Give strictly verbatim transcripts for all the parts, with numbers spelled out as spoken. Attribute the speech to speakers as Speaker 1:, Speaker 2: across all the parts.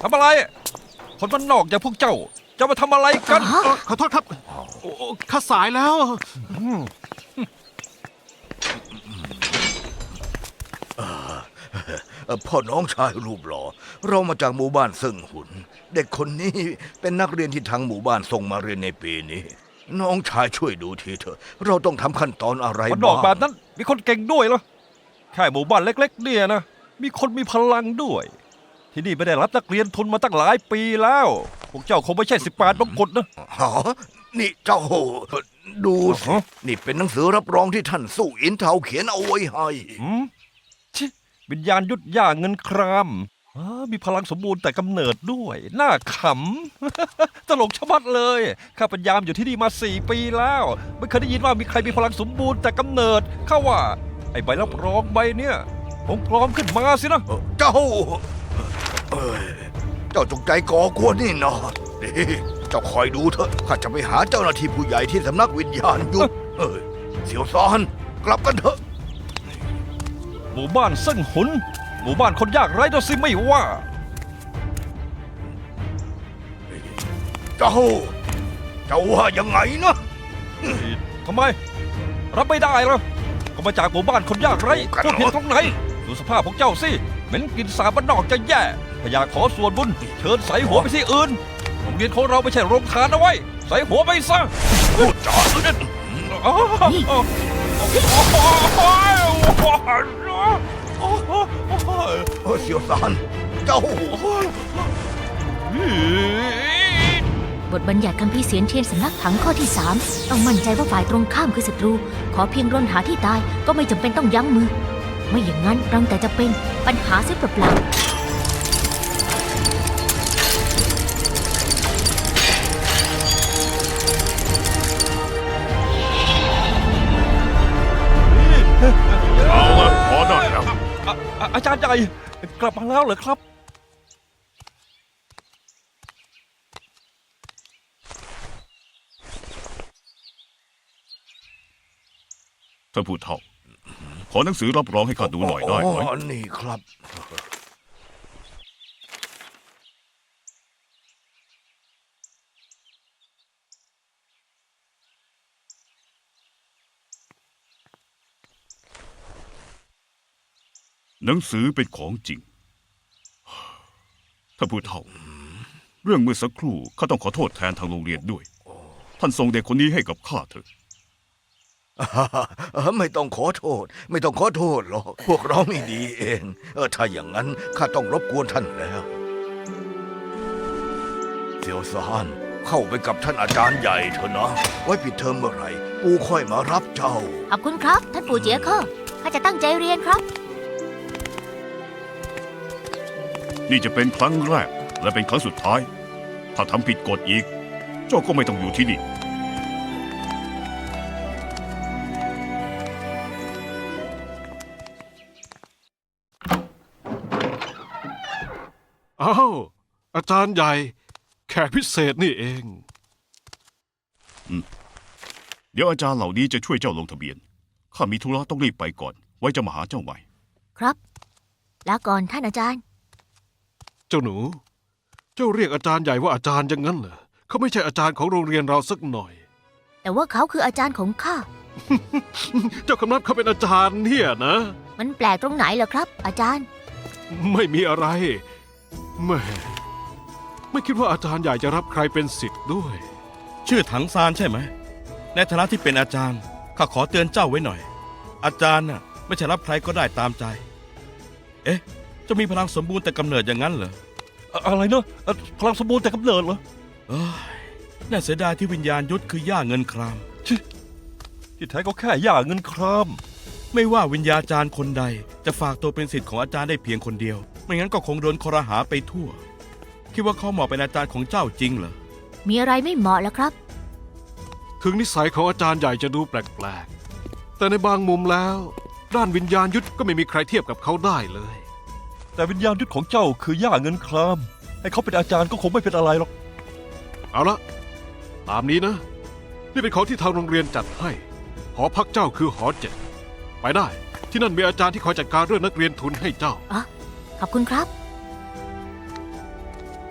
Speaker 1: ทำอะไรคนบ้านนอกอย่างพวกเจ้าจะมาทำอะไรกัน
Speaker 2: ขอโทษครับข้าสายแล้ว
Speaker 3: พ่อน้องชายรูปหล่อเรามาจากหมู่บ้านซึ่งหุนเด็กคนนี้เป็นนักเรียนที่ทางหมู่บ้านส่งมาเรียนในปีนี้น้องชายช่วยดูทีเถอะเราต้องทำขั้นตอนอะไรบ้าง
Speaker 1: บ้านนอกแบบนั้นมีคนเก่งด้วยเหรอแค่หมู่บ้านเล็กๆเนี่ยนะมีคนมีพลังด้วยที่นี่ไม่ได้รับนักเรียนทุนมาตั้งหลายปีแล้วพวกเจ้าคงไม่ใช่สิบแปดมงกุฎนะ
Speaker 3: ฮะนี่เจ้าดูสินี่เป็นหนังสือรับรองที่ท่านสู้อินเทาเขียนเอาไว้ให้
Speaker 1: ชิวิญญาณยุทธย่าเงินครามมีพลังสมบูรณ์แต่กำเนิดด้วยน่าขำ ตลกชะมัดเลยข้าพยายามอยู่ที่นี่มาสี่ปีแล้วไม่เคยได้ยินว่ามีใครมีพลังสมบูรณ์แต่กำเนิดข้าว่าไอ้ใบรับรองใบเนี้ยคงปลอมขึ้นมาสินะ
Speaker 3: เจ้าเอ้ยเจ้าจงใจก่อกวนนี่นะนี่เจ้าคอยดูเถอะข้าจะไปหาเจ้าหน้าที่ผู้ใหญ่ที่สำนักวิญญาณยุทธเอ้ยเสี่ยวซานกลับกันเถอะ
Speaker 1: หมู่บ้านเซิ่งหุนหมู่บ้านคนยากไร้ตัวสิไม่ว่า
Speaker 3: เจ้าเจ้าว่ายังไงนะ
Speaker 1: ทำไมรับไม่ได้เหรอก็มาจากหมู่บ้านคนยากไร้พูดผิดตรงไหนดูสภาพของเจ้าสิเหม็นกลิ่นสาบบ้านนอกจะแย่พยาขอส่วนบุญเชิญใส่หัวไปที่อื่นโรงเรียนของเราไม่ใช่โรงทานเอาไว้ใส่หัวไปซะ
Speaker 3: พูดจาเล่นเสี่ยวซานเจ้า
Speaker 4: บทบัญญัติคัมภีร์เสียนเทียนสำนักถังข้อที่สามต้องมั่นใจว่าฝ่ายตรงข้ามคือศัตรูขอเพียงรนหาที่ตายก็ไม่จำเป็นต้องยั้งมือไม่อย่างนั้นรังแต่จะเป็นปัญหาเสียเปล่า
Speaker 2: เอาละพอได้แล้ว
Speaker 1: อาจารย์ใหญ่กลับมาแล้วเหรอครับ
Speaker 2: ท่านผู้เฒ่าขอหนังสือรับรองให้ข้าดูหน่อยได้ไหม
Speaker 3: อ๋อนี่ครับ
Speaker 2: หนังสือเป็นของจริงท่านผู้เฒ่าเรื่องเมื่อสักครู่ข้าต้องขอโทษแทนทางโรงเรียนด้วยท่านส่งเด็กคนนี้ให้กับข้าเถอะ
Speaker 3: ไม่ต้องขอโทษไม่ต้องขอโทษหรอกพวกเราไม่ดีเองเออถ้าอย่างนั้นข้าต้องรบกวนท่านแล้วเสี่ยวซานเข้าไปกับท่านอาจารย์ใหญ่เถอะนะไว้ปิดเทอมเมื่อไหร่ปู่ค่อยมารับเจ้า
Speaker 4: ขอบคุณครับท่านปู่เจี๋ยเคอข้าจะตั้งใจเรียนครับ
Speaker 2: นี่จะเป็นครั้งแรกและเป็นครั้งสุดท้ายถ้าทำผิดกฎอีกเจ้าก็ไม่ต้องอยู่ที่นี่
Speaker 5: อ้าวอาจารย์ใหญ่แขกพิเศษนี่เอง
Speaker 2: เดี๋ยวอาจารย์เหล่านี้จะช่วยเจ้าลงทะเบียนข้ามีธุระต้องรีบไปก่อนไว้จะมาหาเจ้าใหม่
Speaker 4: ครับลาก่อนท่านอาจารย์
Speaker 5: เจ้าหนูเจ้าเรียกอาจารย์ใหญ่ว่าอาจารย์อย่างนั้นเหรอเขาไม่ใช่อาจารย์ของโรงเรียนเราสักหน่อย
Speaker 4: แต่ว่าเขาคืออาจารย์ของข้า
Speaker 5: เจ้าคำนับเขาเป็นอาจารย์เนี่ยนะ
Speaker 4: มันแปลกตรงไหนเหรอครับอาจารย์
Speaker 5: ไม่มีอะไรแม่ไม่คิดว่าอาจารย์ใหญ่จะรับใครเป็นศิษย์ด้วย
Speaker 6: ชื่อถังซานใช่ไหมในฐานะที่เป็นอาจารย์ข้าขอเตือนเจ้าไว้หน่อยอาจารย์น่ะไม่ใช่รับใครก็ได้ตามใจเอ๊ะจะมีพลังสมบูรณ์แต่กำเนิดอย่างนั้นเหรอ
Speaker 1: อะไรเนอะพลังสมบูรณ์แต่กำเนิดเหรอ
Speaker 6: เอ้ยน่าเสียดายที่วิญญาณยุทธคือย่าเงินคราม
Speaker 1: ที่แท้ก็แค่ย่าเงินคราม
Speaker 6: ไม่ว่าวิญญาจารย์คนใดจะฝากตัวเป็นศิษย์ของอาจารย์ได้เพียงคนเดียวไม่งั้นก็คงโดนคอรหาไปทั่วคิดว่าเขาเหมาะเป็นอาจารย์ของเจ้าจริงเหรอ
Speaker 4: มีอะไรไม่เหมาะแล้วครับ
Speaker 5: ถึงนิสัยของอาจารย์ใหญ่จะดูแปลกๆแต่ในบางมุมแล้วด้านวิญญาณยุทธก็ไม่มีใครเทียบกับเขาได้เลย
Speaker 1: แต่วิญญาณยุทธของเจ้าคือย่าเงินครามให้เขาเป็นอาจารย์ก็คงไม่เป็นอะไรหรอก
Speaker 5: เอาละตามนี้นะนี่เป็นของที่ทางโรงเรียนจัดให้หอพักเจ้าคือหอเจ็ดไปได้ที่นั่นมีอาจารย์ที่คอยจัดการเรื่องนักเรียนทุนให้เจ้า
Speaker 4: อ๋อขอบคุณครับ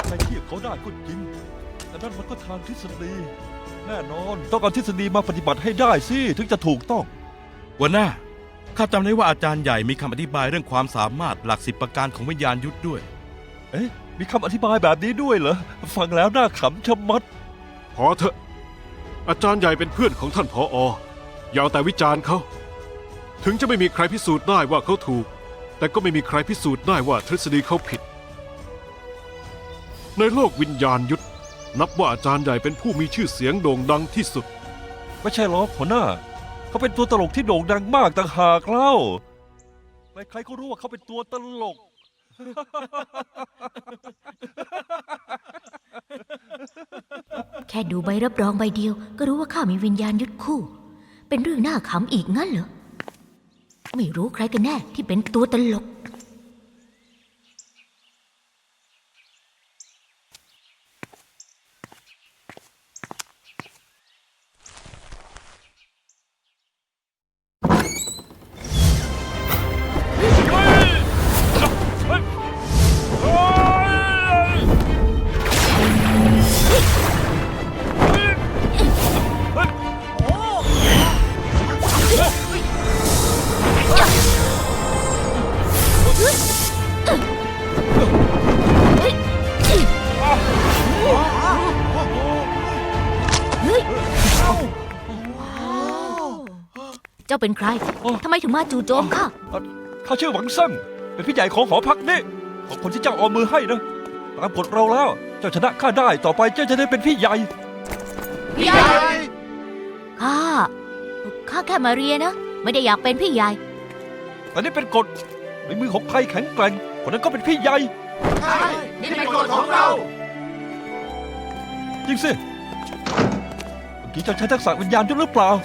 Speaker 1: ใครเทียบเขาได้ก็จริง แต่นั่นมันก็ทางทฤษฎี แน่นอน ต้องเอาทฤษฎีมาปฏิบัติให้ได้สิ ถึงจะถูกต้อง
Speaker 6: หัวหน้า ข้าจำได้ว่าอาจารย์ใหญ่มีคำอธิบายเรื่องความสามารถหลักสิบประการของวิญญาณยุทธด้วย
Speaker 1: เอ๊ะ มีคำอธิบายแบบนี้ด้วยเหรอ ฟังแล้วน่าขำชะมัด
Speaker 5: พอเถอะ อาจารย์ใหญ่เป็นเพื่อนของท่านผออย่าเอาแต่วิจารณ์เขา ถึงจะไม่มีใครพิสูจน์ได้ว่าเขาถูก แต่ก็ไม่มีใครพิสูจน์ได้ว่าทฤษฎีเขาผิด ในโลกวิญญาณยุทธนับว่าอาจารย์ใหญ่เป็นผู้มีชื่อเสียงโด่งดังที่สุด
Speaker 1: ไม่ใช่หรอกหัวหน้า เขาเป็นตัวตลกที่โด่งดังมากต่างหากเล่า ใครๆก็รู้ว่าเขาเป็นตัวตลก
Speaker 4: แค่ดูใบรับรองใบเดียวก็รู้ว่าข้ามีวิญญาณยุทธคู่ เป็นเรื่องน่าขำอีกงั้นเหรอ ไม่รู้ใครกันแน่ที่เป็นตัวตลก เจ้าเป็นใคร
Speaker 1: โอ้
Speaker 4: ทำไมถึงมาจู่โจมข้า
Speaker 1: ข้าชื่อหวังเซิ่งเป็นพี่ใหญ่ของหอพักนี่ของคนที่เจ้าเอามือให้นะ ตามกฎเราแล้ว เจ้าชนะข้าได้ ต่อไปเจ้าจะได้เป็นพี่ใหญ่
Speaker 4: ข้า ข้าแค่มาเรียนนะ ไม่ได้อยากเป็นพี่ใหญ่
Speaker 1: แต่นี่เป็นกฎในมือของใครแข็งแกร่งคนนั้นก็เป็นพี่ใหญ่
Speaker 3: นี่เป็นกฎของเรา
Speaker 1: จริงสิ เมื่อกี้เจ้าใช้ทักษะวิญญาณยุทธหรือเปล่า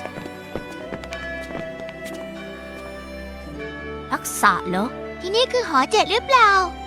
Speaker 4: ทักษะเหรอ
Speaker 7: ที่นี่คือหอเจ็ดหรือเปล่า